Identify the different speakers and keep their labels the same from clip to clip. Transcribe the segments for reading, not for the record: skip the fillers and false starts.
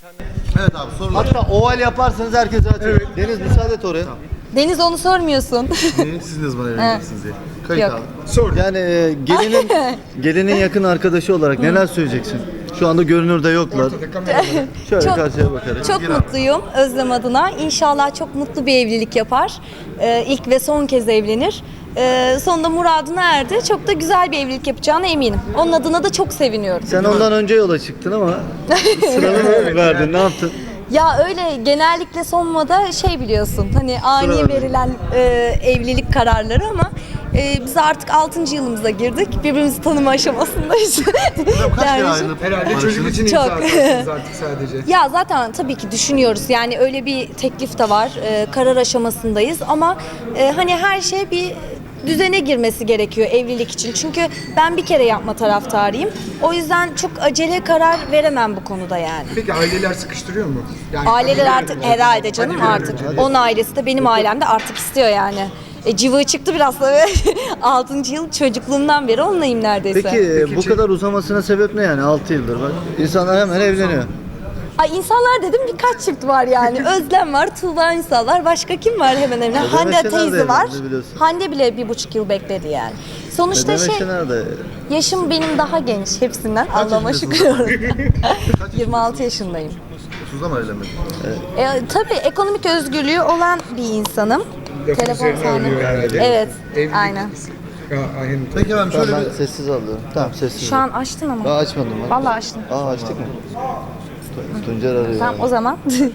Speaker 1: Evet abi sorular.
Speaker 2: Hatta oval yaparsanız herkes açar. Evet. Deniz müsaade et oraya.
Speaker 3: Deniz onu sormuyorsun.
Speaker 1: Siz ne zaman evleneceksiniz diye. Kayıt
Speaker 3: Yok.
Speaker 1: abi.
Speaker 4: Sor.
Speaker 2: Yani gelinin yakın arkadaşı olarak neler söyleyeceksin? Şu anda görünürde yoklar.
Speaker 4: Ortada kamera var.
Speaker 2: Şöyle
Speaker 3: Çok-
Speaker 2: karşıya bakarak.
Speaker 3: Çok mutluyum Özlem adına. İnşallah çok mutlu bir evlilik yapar. İlk ve son kez evlenir. Sonunda muradına erdi. Çok da güzel bir evlilik yapacağına eminim. Onun adına da çok seviniyorum.
Speaker 2: Sen ondan önce yola çıktın ama sıranı mı verdin? Ne yaptın?
Speaker 3: Ya öyle genellikle son moda şey biliyorsun hani ani
Speaker 2: Sıra
Speaker 3: verilen evlilik kararları ama biz artık 6. yılımıza girdik. Birbirimizi tanıma aşamasındayız.
Speaker 1: Hocam kaç kere
Speaker 3: Dermişim.
Speaker 1: ayrılıp
Speaker 4: Herhalde çocuk için
Speaker 3: Çok.
Speaker 4: imza atarsınız artık sadece.
Speaker 3: Ya zaten tabii ki düşünüyoruz. Yani öyle bir teklif de var. Karar aşamasındayız ama hani her şey bir düzene girmesi gerekiyor evlilik için. Çünkü ben bir kere yapma taraftarıyım. O yüzden çok acele karar veremem bu konuda yani.
Speaker 4: Peki aileler sıkıştırıyor mu? Yani
Speaker 3: Aileler
Speaker 4: hani
Speaker 3: artık
Speaker 4: bir-
Speaker 3: herhalde canım
Speaker 4: hani bir-
Speaker 3: artık. Onun ailesi de benim ailem de artık istiyor yani. Cıvığı çıktı biraz tabii. 6. yıl çocukluğumdan beri onunlayım neredeyse.
Speaker 2: Peki bu kadar uzamasına sebep ne yani 6 yıldır bak. İnsanlar hemen evleniyor.
Speaker 3: Ay insanlar dedim birkaç çift var yani. Özlem var, Tuğba Ünsal var. Başka kim var hemen evlen?
Speaker 2: Ödeme
Speaker 3: Hande
Speaker 2: Şener de
Speaker 3: teyze var.
Speaker 2: evlendi biliyorsun.
Speaker 3: Hande bile 1,5 yıl bekledi yani. Sonuçta
Speaker 2: Ödeme
Speaker 3: şey,
Speaker 2: nerede?
Speaker 3: yaşım benim daha genç hepsinden. Allah'ıma
Speaker 1: yaşındasın?
Speaker 3: şükür. 26 yaşındayım.
Speaker 1: 30'da mı evlenmedin?
Speaker 3: Tabii ekonomik özgürlüğü olan bir insanım.
Speaker 4: Lafın
Speaker 3: Telefon
Speaker 4: üzerine
Speaker 3: sahne.
Speaker 4: alıyor herhalde.
Speaker 3: Evet,
Speaker 4: Evlilik-
Speaker 3: aynen.
Speaker 4: Ya, aynen.
Speaker 1: Peki efendim
Speaker 2: Tamam,
Speaker 1: şöyle
Speaker 2: ben
Speaker 1: bir...
Speaker 2: sessiz alıyorum. Tamam sessiz.
Speaker 3: Şu an açtın ama.
Speaker 2: Daha açmadım ben.
Speaker 3: Vallahi açtın.
Speaker 2: Aa açtık mı? Tuncer arıyor.
Speaker 3: Tamam o zaman.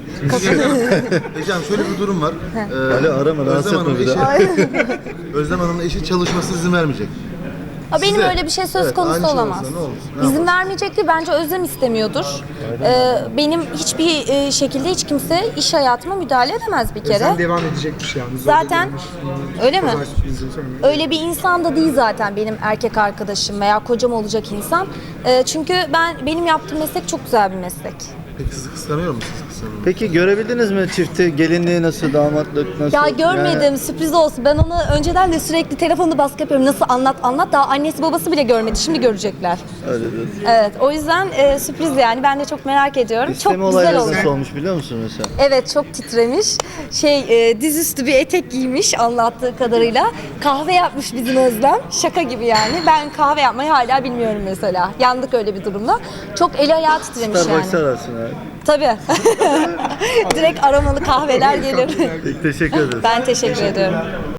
Speaker 1: Hocam şöyle bir durum var.
Speaker 2: Öyle arama, rahatsız
Speaker 1: Özlem
Speaker 2: etme
Speaker 1: Hanım'ın
Speaker 2: bir
Speaker 1: eşi, Özlem Hanım'ın eşi çalışması izin vermeyecek.
Speaker 3: Ha, benim
Speaker 1: Size.
Speaker 3: öyle bir şey söz
Speaker 1: Evet,
Speaker 3: konusu
Speaker 1: aynı şey
Speaker 3: olamaz.
Speaker 1: olsa ne olur? Ne
Speaker 3: İzin vermeyecekti. Bence Özlem istemiyordur. Benim hiçbir şekilde hiç kimse iş hayatıma müdahale edemez bir kere.
Speaker 4: Sen devam edecekmiş yani.
Speaker 3: Zaten öyle mi?
Speaker 4: Pazar sürprizi sonra.
Speaker 3: Öyle bir insan da değil zaten benim erkek arkadaşım veya kocam olacak insan. Çünkü benim yaptığım meslek çok güzel bir meslek.
Speaker 1: Peki sizi kıskanıyor musunuz? Kıskanıyor.
Speaker 2: Peki görebildiniz mi çifti? Gelinliği nasıl, damatlık nasıl?
Speaker 3: Ya görmedim,
Speaker 2: Yani
Speaker 3: sürpriz olsun. Ben ona önceden de sürekli telefonda baskı yapıyorum. Nasıl anlat. Daha annesi babası bile görmedi. Şimdi görecekler.
Speaker 2: öyle diyorsun.
Speaker 3: Evet, o yüzden sürpriz yani. Ben de çok merak ediyorum.
Speaker 2: İsteme
Speaker 3: çok güzel
Speaker 2: olayları
Speaker 3: oldu.
Speaker 2: nasıl olmuş biliyor musun mesela?
Speaker 3: Evet, çok titremiş. Dizüstü bir etek giymiş anlattığı kadarıyla. Kahve yapmış bizim Özlem. Şaka gibi yani. Ben kahve yapmayı hala bilmiyorum mesela. Yandık öyle bir durumda. Çok eli ayağı titremiş
Speaker 2: Starbucks'a
Speaker 3: yani.
Speaker 2: ararsın abi.
Speaker 3: Tabii. Direkt aromalı kahveler gelir.
Speaker 2: Peki, teşekkür ederiz.
Speaker 3: Ben teşekkür ediyorum.